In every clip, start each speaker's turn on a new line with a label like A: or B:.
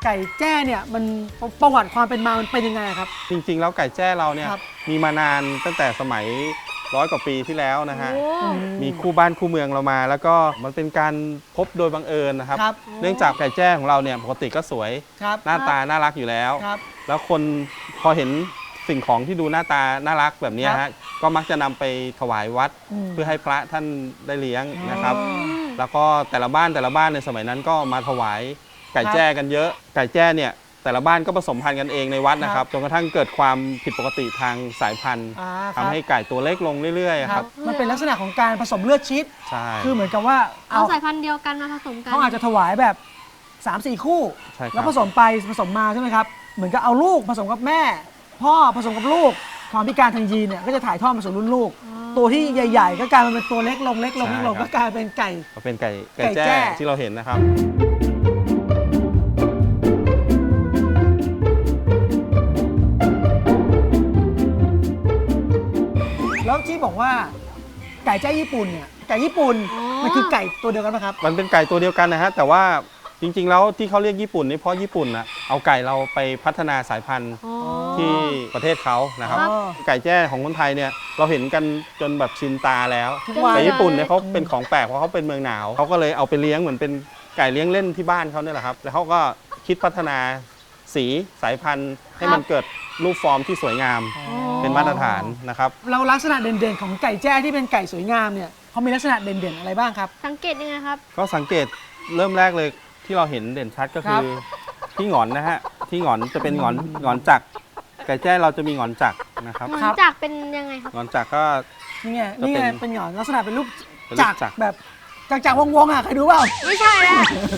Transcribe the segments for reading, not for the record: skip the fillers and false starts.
A: ไก่แจ้เนี่ยมันประวัติความเป็นมามันเป็นยังไงครับ
B: จริงๆแล้วไก่แจ้เราเนี่ยมีมานานตั้งแต่สมัย100 กว่าปีที่แล้วนะฮะมีคู่บ้านคู่เมืองเรามา แล้วก็มันเป็นการพบโดยบังเอิญนะครับเนื่องจากไก่แจ้ของเราเนี่ยปกติก็สวยหน้าตาน่ารักอยู่แล้วแล้วคนพอเห็นสิ่งของที่ดูหน้าตาน่ารักแบบนี้ฮะก็มักจะนำไปถวายวัดเพื่อให้พระท่านได้เลี้ยงนะครับแล้วก็แต่ละบ้านในสมัยนั้นก็มาถวายไก่แจ้กันเยอะไก่แจ้เนี่ยแต่ละบ้านก็ผสมพันธุ์กันเองในวัดนะครับจนกระทั่งเกิดความผิดปกติทางสายพันธุ์ทำให้ไก่ตัวเล็กลงเรื่อยๆครับ
A: มันเป็นลักษณะของการผสมเลือดชีสคือเหมือนกับว่า
C: เอาสายพันธุ์เดียวกันมาผสมกัน
A: เขาอาจจะถวายแบบ 3-4 คู่แล้วผสมไปผสมมาใช่ไหมครับเหมือนกับเอาลูกผสมกับแม่พ่อผสมกับลูกความพิการทางยีนเนี่ยก็จะถ่ายทอดมาสู่รุ่นลูกตัวที่ใหญ่ๆก็กลายมาเป็นตัวเล็กลงก็กลายเป็นไก่
B: แจ้ที่เราเห็นนะครับ
A: แล้วที่บอกว่าไก่แจ้ญี่ปุ่นเนี่ยไก่ญี่ปุ่นมันคือไก่ตัวเดียวกันไหมครับ
B: มันเป็นไก่ตัวเดียวกันนะฮะแต่ว่าจริงๆแล้วที่เขาเรียกญี่ปุ่นนี่เพราะญี่ปุ่นนะเอาไก่เราไปพัฒนาสายพันธุ์ที่ประเทศเขานะครับไก่แจ้ของคนไทยเนี่ยเราเห็นกันจนแบบชินตาแล้วแต่ญี่ปุ่นเนี่ยเขาเป็นของแปลกเพราะเขาเป็นเมืองหนาวเขาก็เลยเอาไปเลี้ยงเหมือนเป็นไก่เลี้ยงเล่นที่บ้านเขาเนี่ยแหละครับแล้วเขาก็คิดพัฒนาสีสายพันธุ์ให้มันเกิดรูปฟอร์มที่สวยงามเป็นมาตรฐานนะครับ
A: เราลักษณะเด่นๆของไก่แจ้ที่เป็นไก่สวยงามเนี่ยเขามีลักษณะเด่นๆอะไรบ้างครับ
C: สังเกตยังไงครับ
B: ก็สังเกตเริ่มแรกเลยที่เราเห็นเด่นชัดก็คือที่หงอนนะฮะที่หงอนจะเป็นหงอนจักรไก่แจ้เราจะมีหงอนจักรนะครับ
C: หงอนจักรเป็นยังไงครับ
B: หงอนจักรก็
A: นี่ไงเป็นหงอนลักษณะเป็นรูปจักรแบบจักรวงอ่ะใครดูเปล่า
C: ไม่ใช่แล้ว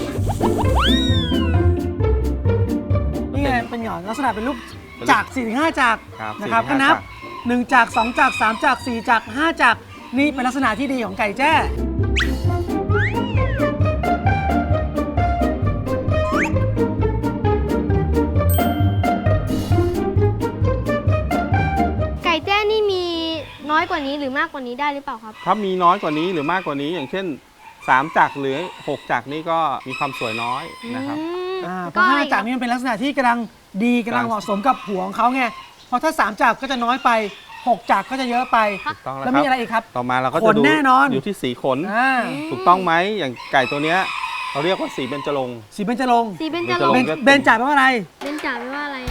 A: นี่ไงเป็นหงอนลักษณะเป็นรูปจักร 4-5 จักรนะครับก็นับ1จักร2จักร3จักร4จักร5จักรนี่เป็นลักษณะที่ดีของไก่แจ้
C: น้อยกว่านี้หรือมากกว่านี้ได้หรือเปล่าครับ
B: ถ้ามีน้อยกว่านี้หรือมากกว่านี้อย่างเช่น3จักรหรือ6จักรนี่ก็มีความสวยน้อยนะครับ
A: เพราะ5จักรนี่มันเป็นลักษณะที่กำลังดีกำลังเหมาะสมกับหัวของเขาไงเพราะถ้า3จักรก็จะน้อยไป6จักรก็จะเยอะไปแล้วมีอะไรอีกครับ
B: ต่อมาเราก็จะดูอยู่ที่สีขนถูกต้องไหมอย่างไก่ตัวเนี้ยเราเรียกว่าสีเบญจรงค์
A: สีเบญจรงค์เบญจแปลว่าอะไร
C: เบญจแปลว่าอะไร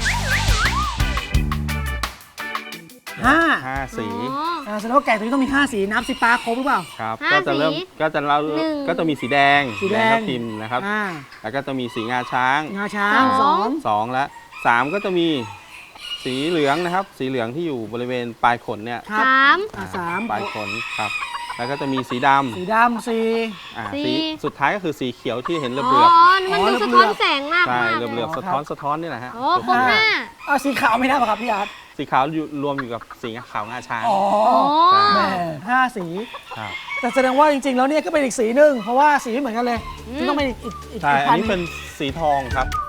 B: 5 สี
A: แสดงว่าไก่ตัวนี้ต้องมี5 สีนับสิปลาครบหรือเปล่า
B: ครับก็จะเริ่มก็จะมีสีแดงทับทิมนะครับแล้วก็จะมีสีงาช้าง2และ3ก็จะมีสีเหลืองนะครับสีเหลืองที่อยู่บริเวณปลายขนเนี่ย
C: 3
B: ปลายขนครับแล้วก็จะมีสีด
A: ำ
B: สีสุดท้ายก็คือสีเขียวที่เห็นเหลือบ
C: มันดูสะท้อนแสงมาก
B: ใช่เหลือบสะท้อนนี่แหละฮะ
C: ครบ
A: สีขาวไม่ได้ป่ะครับพี่อาร์ต
B: สีขาวรวมอยู่กับสีขาวงาช้าง
A: แม่5 สีแต่แสดงว่าจริงๆแล้วเนี่ยก็เป็นอีกสีหนึ่งเพราะว่าสีไม่เหมือนกันเลยที่ต้องเป็นอีก
B: ใช่อันนี้เป็นสีทองครับ